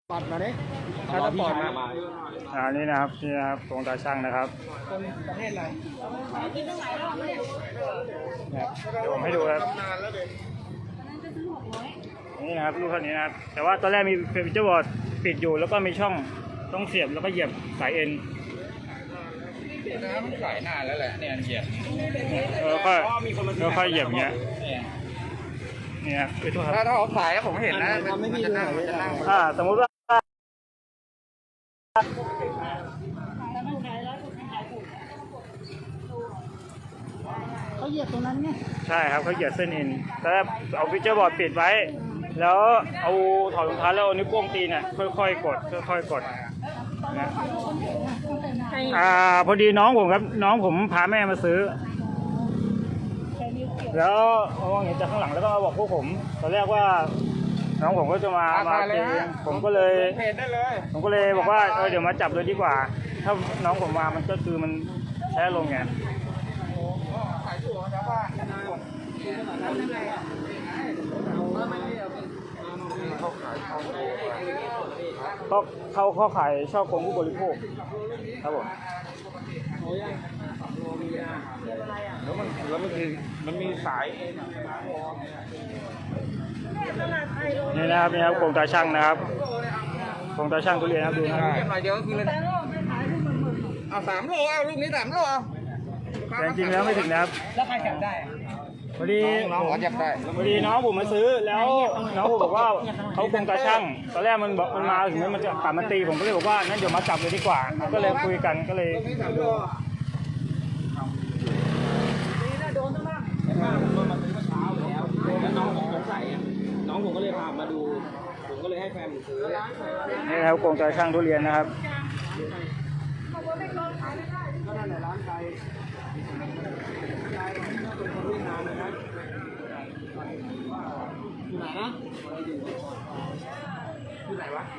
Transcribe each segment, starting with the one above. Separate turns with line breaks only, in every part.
ปอดมาดิถ้าจะปอดมา
นี่นะครับตรงตาช่างนะครับ
คนประเทศอะไร
เดี๋ยวผมให้ดูครับนี่นะครับลูกเท่านี้นะครับแต่ว่าตอนแรกมีเฟอร์นิเจอร์บอร์ดปิดอยู่แล้วก็มีช่องต้องเสียบแล้วก็เหยียบสายเอ็น
น้ำใส่หน้าแล้วแหละเนี่ยเหยียบ
แล้วค่อยเหยียบเงี้ยเนี่ยคือตัวครับ
ถ้าเขาสายผมเห็นนะมันจะนั่ง
สมมติว่า
เขาเหยียบตรงนั้นไง
ใช่ครับเขาเหยียบเส้นเอ็นแต่เอาฟิวเจอร์บอร์ดปิดไว้แล้วเอาถอดรองเท้าแล้วเอานิ้วโป้งตีเนี่ยค่อยๆกดนะพอดีน้องผมครับน้องผมพาแม่มาซื้อแล้วมองเห็นจากข้างหลังแล้วก็มาบอกพวกผมตอนแรกว่าน้องผมก็จะมาตีผมก็เลยบอกว่าเดี๋ยวมาจับเลยดีกว่าถ้าน้องผมมามันก็คือมันแพ้ลงไงเขาขายชอบคนผู้บริโภคครับผม
แล้วมันมีสาย
นี่นะครับโครงตาช่างนะครับโครงตาช่างทุเรียนครับดูนะครับ
เดี๋ยวคือเลยเอา3 โลเอาลูกนี้3 โลเอา
แต่จริงแล้วไม่ถึงนะครับ
แล้วใครจับได้
พอดี
น้องจับได้
พอดีน้องผมมาซื้อแล้วน้องผมบอกว่าเขาโครงตาช่างตอนแรกมันบอกมันมาถึงมันจะกลับมาตีผมก็เลยบอกว่างั้นเดี๋ยวมาจับเลยดีกว่าก็เลยคุยกันก็เลย
โดนตั้งมากผมมาซื้อเมื่อเช้าแล้วน้องผมสงสัยน้องผมก็เลยพามาดูผมก็เลยให้แฟนผมซื้อ
นี่นะครับโครงตาช่างทุเรียนนะครับ
ก็นั่นแหละร้านไก่อยู่ไหนนะอยู่ไหนวะ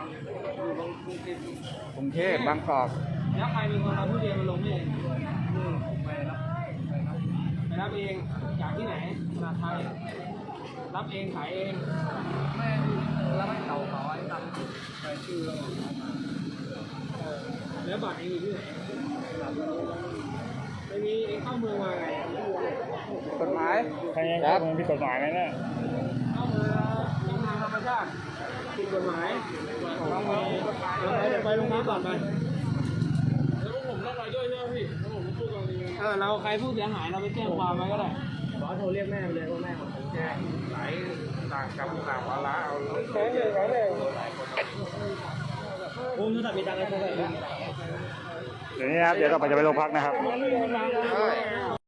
กรุงเทพบางกอกแล้วใครเป็นคนเอาทุเรียนมาลงนี่ไปรับเองจากที่ไหนจากไทยรับเองขายเองไม่รับให้เขาไอ้ตังใส่ชื่อแล้วบัตรเองอยู่ที่ไหนไม่มีเองเข้าเมืองมาไงกฎหมาย
ใครเข้าเมืองผิดกฎหมายไหมเนี่ย
เข้าเมืองทางธรรมชาติผิดกฎหมายเข้าเมืองไปโรงพักก่อนไปแล้วผมต้องไปด้วยใช่ไหมพี่แล้วผมพูดตรงนี้เราใครผู้เสียหายเราไปแจ้งความไว้ก็ได้ขอโทรเรียกแม่ไปเลยว่าแม่ผมแจ้งหลายต่างกรรมต่างวาระเอาใช่เลยผมจะมีตังค์อะไรพวกนี้
เดี๋ยวนี้นะครับเดี๋ยวเราจะไปโรงพักนะครับ